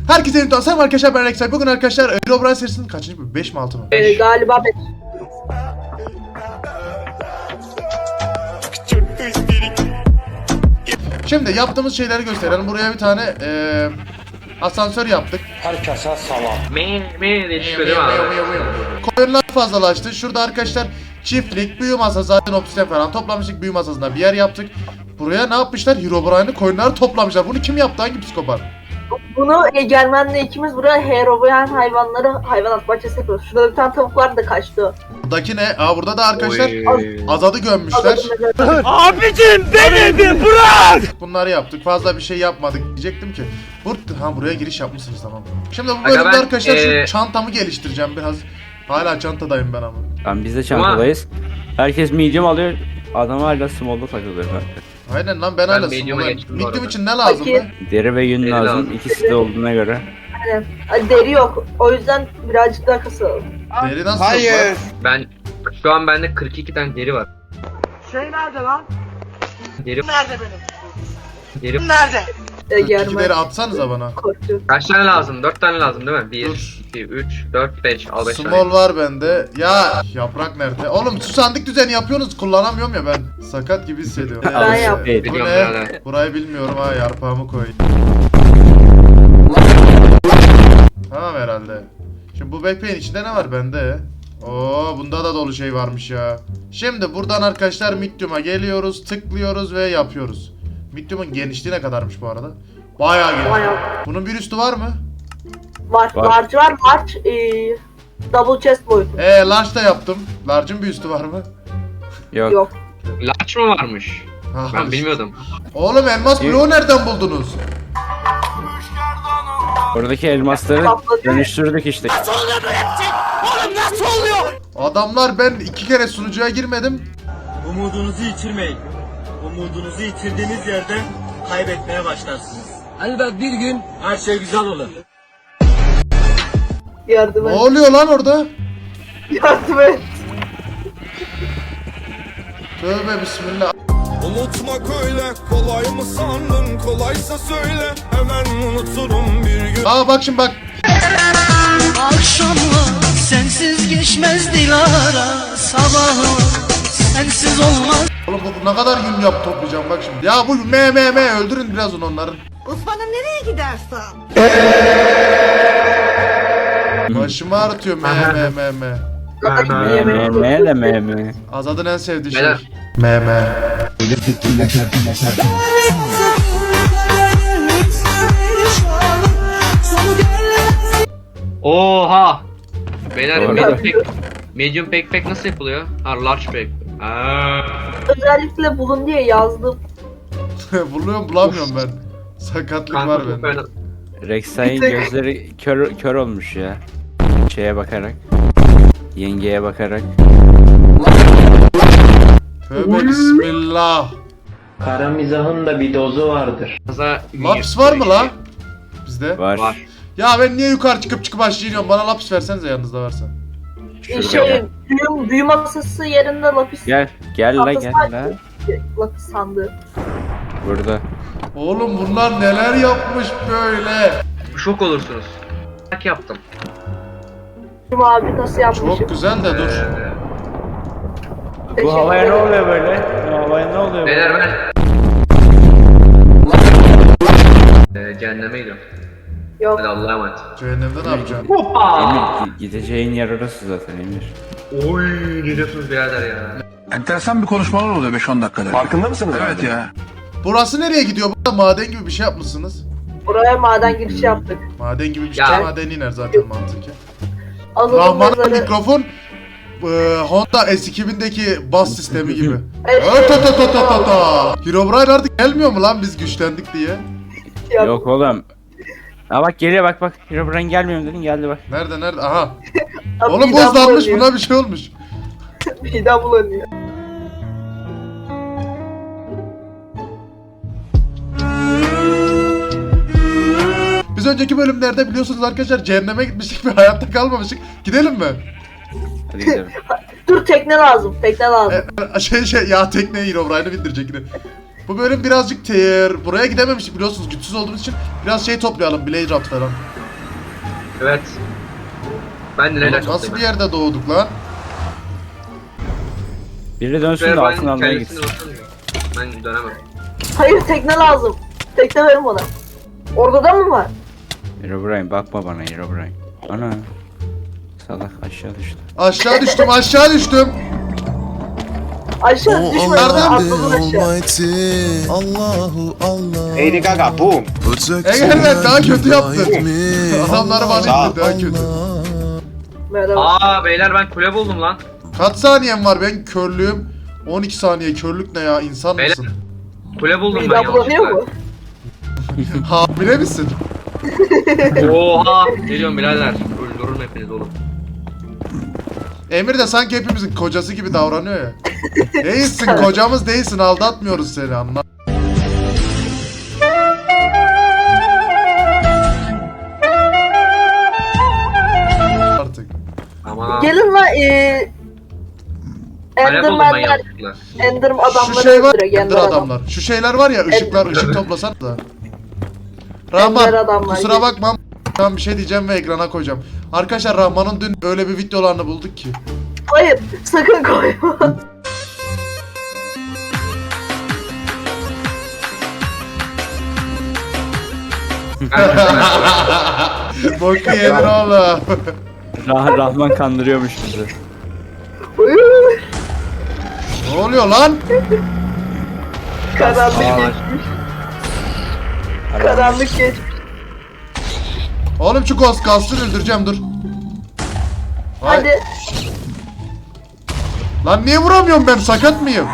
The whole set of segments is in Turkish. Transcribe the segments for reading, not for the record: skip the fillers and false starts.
Herkese yeni tanıştım arkadaşlar, ben Rexay. Bugün arkadaşlar Herobrine serisinin kaçıncı bölümü? 5 mi 6 mı? Galiba 5. Şimdi yaptığımız şeyleri gösterelim. Buraya bir tane asansör yaptık. Herkese salam. diye çıkıyor değil mi abi? Koyunlar fazlalaştı. Şurada arkadaşlar çiftlik, büyü masası, zaten obsidian falan toplamıştık. Büyü masasında bir yer yaptık. Buraya ne yapmışlar? Herobrine'ı, koyunları toplamışlar. Bunu kim yaptı? Hangi psikopat? Bunu Egemen'le ikimiz buraya Herobrine hayvanat bahçesi yapıyoruz. Şurada bir tane tavuk vardı da kaçtı. Buradaki ne? Burada da arkadaşlar Oy. Azad'ı gömmüşler. Abicim beni bir bırak! Bunları yaptık. Fazla bir şey yapmadık diyecektim ki. Buraya giriş yapmışsınız, tamam. Şimdi bu Aga bölümde ben, arkadaşlar şu çantamı geliştireceğim biraz. Hala çantadayım ben ama. Biz de çantadayız. Herkes medium alıyor. Adam hala small'da takılıyor kanka. Aynen lan, ben hala medium'a small. geçtim bu Medium arada. için ne lazım Peki. lan? Deri ve yün Deri lazım. lazım. İkisi de olduğuna göre. Aynen. Deri yok. O yüzden birazcık daha kasalım. Deri nasıl Hayır. var? Ben şu an bende 42 tane deri var. Şey nerede lan? Deri Nerede benim? deri. Nerede? İki Egemen deri atsanıza bana. korktu. Kaç tane lazım? 4 tane lazım değil mi? 1 Dur. 2 3 4 5 al 5 Small tane. var bende. Ya yaprak nerede? Oğlum şu sandık düzeni yapıyorsunuz, kullanamıyorum ya ben. Sakat gibi hissediyorum. Ben yaptım. Bu Biliyorum ne? birader. Burayı bilmiyorum ha, yarpağımı koy. Tamam herhalde. Şimdi bu backpack'in içinde ne var bende? Oo, bunda da dolu şey varmış ya. Şimdi buradan arkadaşlar medium'a geliyoruz, tıklıyoruz ve yapıyoruz. Medium'un genişliği ne kadarmış bu arada? Bayağı geniş. Bayağı. Bunun bir üstü var mı? Var. Var. Large var. Large double chest boyutu. Large da yaptım. Large'ın bir üstü var mı? Yok. Yok. Large mı varmış? Ha, Ben bilmiyordum. Oğlum elmas bloğu nereden buldunuz? Oradaki elmasları Patladı. dönüştürdük işte. Adamlar, ben 2 kere sunucuya girmedim. Umudunuzu yitirmeyin. Umudunuzu yitirdiğiniz yerden kaybetmeye başlarsınız. Elbet bir gün her şey güzel olur. Yardım Ne et. oluyor lan orada? Yardım et. Tövbe bismillah. Unutmak öyle kolay mı sandın, kolaysa söyle hemen unuturum bir gün. Aa bak şimdi bak. Akşamlar sensiz geçmez Dilara, sabahlar sensiz olmaz. Oğlum bu ne kadar yün yap toplayacağım bak şimdi. Ya bu me öldürün biraz onların. Osman'ım nereye gidersen? Başımı ağrıtıyor me. Me. Azad'ın en sevdiği şey. Beyler. Me. Oha! Beyler Doğru. medium backpack nasıl yapılıyor? Ha, large backpack. Aa. Özellikle bulun diye yazdım. Buluyorum, bulamıyorum ben. Sakatlık Kanka var çok bende. fena. Rexay'ın Bir tek- gözleri kör olmuş ya. Şeye bakarak. Yengeye bakarak. Tövbe bismillah. Kara mizahın da bir dozu vardır. Fazla Laps var mı la? Bizde. Var. Var. Ya ben niye yukarı çıkıp aşağı iniyorum? Bana laps versenize, yanınızda varsa. Şurada. Büyü masası yerinde lapis. Gel la gel la. Lapis sandığı. Burada. Oğlum bunlar neler yapmış böyle? Şok olursunuz. Bak yaptım. Şu abi nasıl yapmışım? Çok güzel de dur. Bu havaya ne oluyor böyle? Bu havaya ne oluyor Beyler böyle? ben cehenneme gidiyorum. Yok. Hadi Allah'a emanet. Cehennemde ne yapacağım? Emir gideceğin yer orası zaten Emir. Oy ne diyorsunuz birader ya? Enteresan bir konuşmalar oluyor 5-10 dakikada. Farkında mısınız? Evet ya. Burası nereye gidiyor? Burada maden gibi bir şey yapmışsınız. Buraya maden girişi yaptık. Maden gibi bir şey. Ya. Maden iner zaten mantıken. Azalım Rahman'ın mezarı. mikrofon Honda S2000'deki bas sistemi gibi. Evet. Herobrine artık gelmiyor mu lan biz güçlendik diye? Yok oğlum. Ha bak geliyor bak. Herobrine gelmiyor mu dedin, geldi bak. Nerede? Aha. Abi Oğlum midem buzlanmış, bulanıyor. buna bir şey olmuş. Midem bulanıyor. Biz önceki bölümlerde biliyorsunuz arkadaşlar cehenneme gitmiştik ve hayatta kalmamıştık. Gidelim mi? Hadi gidelim. Dur tekne lazım. Tekne lazım. Ya tekneye Herobrine'ı bindirecek yine. Bu bölüm birazcık buraya gidememiştik biliyorsunuz güçsüz olduğumuz için. Biraz şey toplayalım, Blade Raft falan. Evet. Ben de neler Nasıl bir yerde doğduk lan? Biri dönsün de altın almaya gitsin. Ben dönemem. Hayır tekne lazım. Tekne verin bana. Orada da mı var? Herobrine bakma bana Herobrine. Ana. Salak aşağı düştü. Aşağı düştüm, aşağı düştüm. Aşağı düşme. Nereden? Atladın aşağı. Allahu Allah. Lady Gaga boom. Egemen daha kötü yaptın. Adamları bana Sağ ol. itti daha kötü. Merhaba. Aa beyler ben kule buldum lan. Kaç saniyem var ben körlüğüm? 12 saniye körlük ne ya insan Beyler. mısın? Kule buldum ben Midem bulanıyor mu? Hamile misin? Oha. Geliyorum birader. Öldürürüm hepiniz oğlum. Emir de sanki hepimizin kocası gibi davranıyor ya. Değilsin kocamız değilsin aldatmıyoruz seni anla. Artık. Aman. Gelin lan Kale buldum ben Enderman'ler, yanlışlıkla. Enderman Şu adamları şey var öldürüyor. ya Ender Ender adam. adamlar. Şu şeyler var ya ışıklar ışık toplasan da. Ender Rahman adamlar kusura gibi. bakma ben bir şey diyeceğim ve ekrana koyacağım. Arkadaşlar Rahman'ın dün öyle bir videolarını bulduk ki. Hayır sakın koyma. Boku yedin oğlum. Rahman kandırıyormuş bizi. Ne oluyor lan? Karanlık geçmiş. Karanlık geçmiş. Oğlum şu Ghost'u öldüreceğim dur. Vay. Hadi. Lan niye vuramıyorum ben sakat mıyım?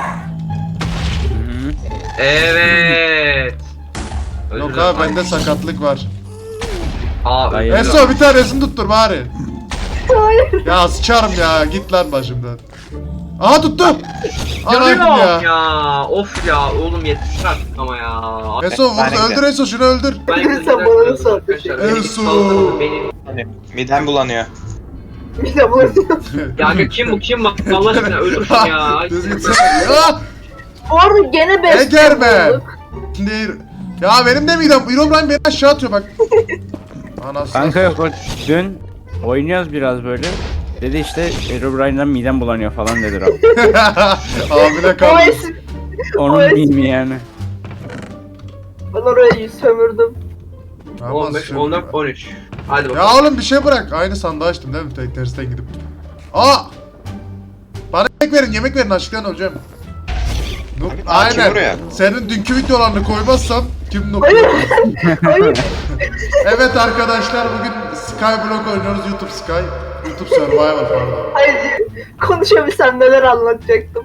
Evet. Yok abi bende sakatlık var. Aa Hayır. Eso bir tanesini tuttur bari. Hayır. Ya sıçarım ya git lan başımdan. Aha tuttu. Anam Yanıyorum ya. ya. Of ya oğlum yeter artık ama ya. Eso vur öldür Eso şunu öldür. Ben Sen bana nasıl atıyorsun? Eso. Midem bulanıyor. Midem bulanıyor. Ya kim bu? Allah aşkına öldürsün ya. Düzgün sen. Ya Bu arada gene best Egermen. bulduk. Şimdi ya benim de midem. Herobrine beni aşağı atıyor bak. Anasını. Kanka yok o dün oynuyoruz biraz böyle. Dedi işte Herobrine'den midem bulanıyor falan dedi Rahman. Abine O kaldı. esim. Onun Evet. değil mi yani? Ben orayı sömürdüm. Ama 15, sövdüm. 14, 13. Hadi bakalım. Ya oğlum bir şey bırak. Aynı sandığı açtım değil mi? Tek tersten gidip. Aa! Bana yemek verin açlıktan öleceğim. Noob. Aa, kim Aynen. vuruyor? Senin dünkü videolarını koymazsam kim noob? Hayır. Hayır. Evet arkadaşlar bugün Skyblock oynuyoruz YouTube Sky. YouTube Survival pardon. Hayır. Konuşabilsem neler anlatacaktım.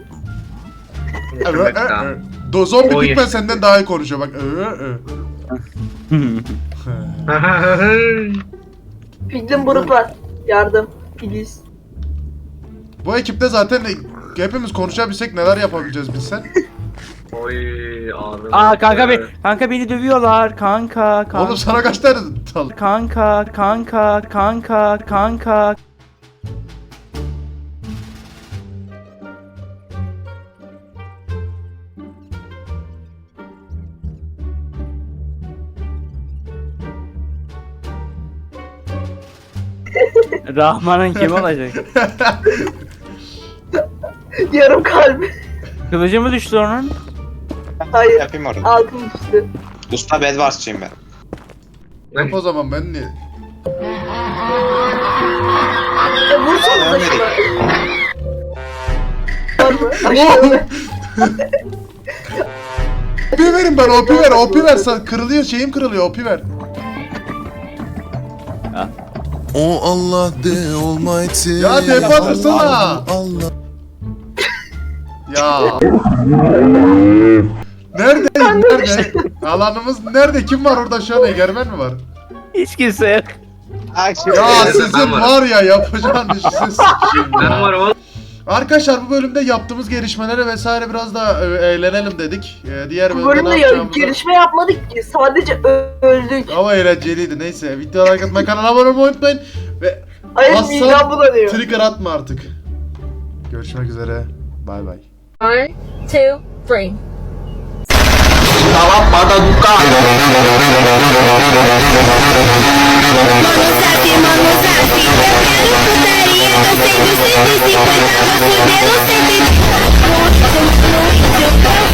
Zombi Oy. Pigman senden daha iyi konuşuyor bak. Piglin buruk var. Yardım. Filiz. Bu ekipte zaten hepimiz konuşabilsek neler yapabileceğiz bilsen. Oy ağrım. Aa kanka beni dövüyorlar kanka. Oğlum sana kaç tane tal? Kanka. Rahman'ın kim olacak? Yarım kalbi. Kılıcı mı düştü onun? Hayır. Yapayım orada. Altın üstü. Usta Bedwars'çıyım ben. Yap o zaman ben niye? Vursanıza Ölmedik. şuna. Aşağıda. OP verin ben OP ver kırılıyor şeyim kırılıyor OP ver. O Allah the Almighty. Ya tepe atırsana. Allah. Ya. Nerede? Alanımız nerede? Kim var orada şu an? Egermen mi var? Hiç kimse yok. Ya Ben sizin varım. var ya yapacağın işi sikeyim Ben ya. varım oğlum. Arkadaşlar bu bölümde yaptığımız gelişmelere vesaire biraz da eğlenelim dedik. Diğer Bu bölümde bölümde ne ya, yapacağımızı... gelişme yapmadık ki. Sadece öldük. Ama eğlenceliydi neyse. Videoları arkadaşlar kanala abone olmayı unutmayın. Ve Hayır Hasan midem bulanıyor. trigger atma artık. Görüşmek üzere. Bay bay. 1, 2, 3. Tô sendo 150, vou fuder no 130.